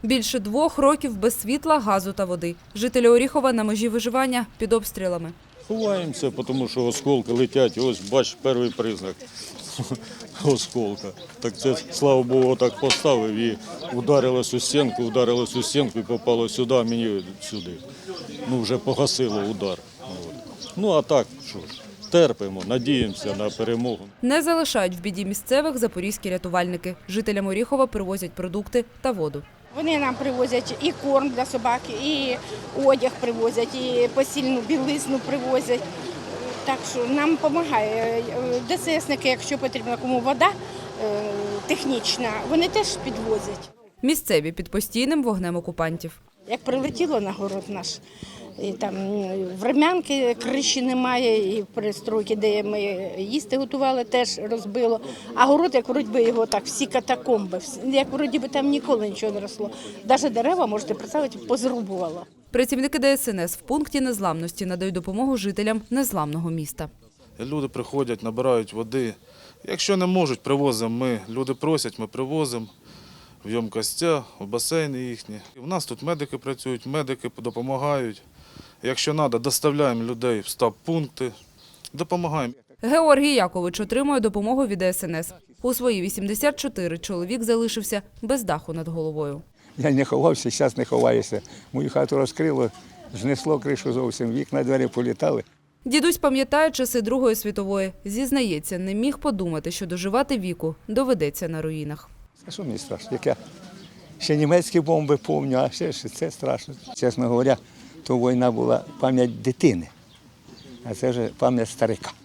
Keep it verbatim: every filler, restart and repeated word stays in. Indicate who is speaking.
Speaker 1: Більше двох років без світла, газу та води. Жителі Оріхова на межі виживання під обстрілами.
Speaker 2: Ховаємося, тому що осколки летять. Ось, бач, перший признак осколка. Так це, слава Богу, так поставив і ударилось у стінку, ударилось у стінку і попало сюди, а мені сюди. Ну, вже погасило удар. От. Ну, а так, що ж, терпимо, надіємося на перемогу.
Speaker 1: Не залишають в біді місцевих запорізькі рятувальники. Жителям Оріхова привозять продукти та воду.
Speaker 3: Вони нам привозять і корм для собаки, і одяг привозять, і постільну білизну привозять. Так що нам допомагає. ДССники, якщо потрібна кому вода технічна, вони теж підвозять.
Speaker 1: Місцеві під постійним вогнем окупантів.
Speaker 3: Як прилетіло на город наш, і там врем'янки, криші немає, і пристройки, де ми їсти готували, теж розбило. А город, як вроді би його так, всі катакомби, як вроді би там ніколи нічого не росло. Навіть дерева, можете представити, позрубувало.
Speaker 1: Працівники ДСНС в пункті незламності надають допомогу жителям незламного міста.
Speaker 4: Люди приходять, набирають води. Якщо не можуть, привозимо ми. Люди просять, ми привозимо в ємкостя, в басейни їхні. У нас тут медики працюють, медики допомагають. Якщо треба, доставляємо людей в стаб-пункти, допомагаємо.
Speaker 1: Георгій Якович отримує допомогу від ДСНС. У свої вісімдесят чотири чоловік залишився без даху над головою.
Speaker 5: Я не ховався, зараз не ховаюся. Мою хату розкрило, знесло кришу зовсім, вікна, двері політали.
Speaker 1: Дідусь пам'ятає часи Другої світової. Зізнається, не міг подумати, що доживати віку доведеться на руїнах.
Speaker 5: А що мені страшно? Як я ще німецькі бомби пам'ятаю, а ще ж це страшно. Чесно говоря, то війна була пам'ять дитини, а це вже пам'ять старика.